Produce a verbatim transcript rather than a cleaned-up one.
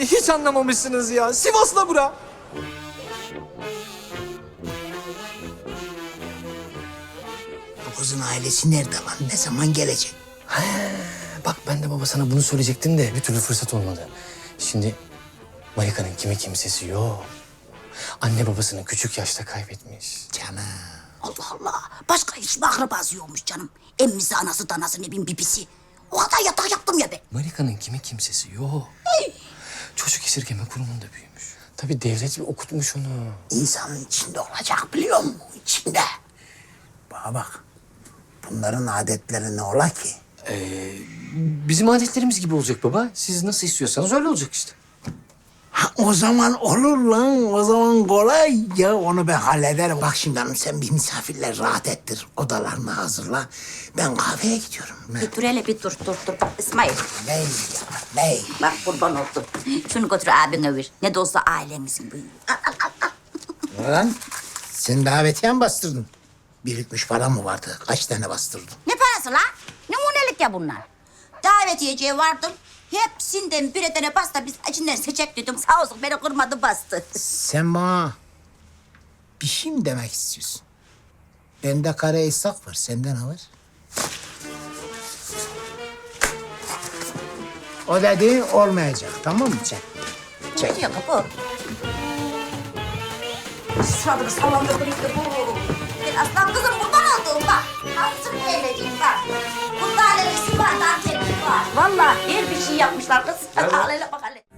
hiç anlamamışsınız ya. Sivas'la bura. Bu kızın ailesi nerede lan? Ne zaman gelecek? Bak ben de baba sana bunu söyleyecektim de bir türlü fırsat olmadı. Şimdi Marika'nın kimi kimsesi yok. Anne babasını küçük yaşta kaybetmiş. Canım. Allah Allah. Başka hiç mi akrabası yokmuş canım? Emmisi, anası, danası, ne bileyim bibisi. O kadar yatak yaptım ya ben. Marika'nın kimi kimsesi yok. Çocuk esirgeme kurumunda büyümüş. Tabii devlet bir okutmuş onu. İnsanın içinde olacak biliyor musun? İçinde. Bana bak. Bunların adetleri ne ola ki? Bizim adetlerimiz gibi olacak baba. Siz nasıl istiyorsanız öyle olacak işte. Ha, o zaman olur lan. O zaman kolay. Ya onu ben hallederim. Bak şimdi hanım sen bir misafirler rahat ettir. Odalarını hazırla. Ben kahveye gidiyorum. Ne? Bir dur hele bir dur dur dur. Bak İsmail. Ne ya? Ne? Bak kurban oldum. Şunu götür abine ver. Ne de olsa ailemizin büyüğü. Al, al, al, al. Lan sen davetiye mi bastırdın? Birikmiş para mı vardı? Kaç tane bastırdın? Ne parası la? Numunelik ya bunlar. Davetiyeciye vardım. Hepsinden bir tane pasta biz içinden seçecek dedim. Sağ olsun beni kırmadı bastı. Sen bana bir şey mi demek istiyorsun? Bende kara İshak var. Sende ne var? O dediğin olmayacak. Tamam mı sen? Ne diyor kapı? Sıradını sallandı birlikte bu. Ben aslan kızım buradan aldım bak. Nasıl eğleneceğim bak. Bunda alerjisi var, dantellik var. Vallahi her bir şey yapmışlar kız. Al hele bak hele.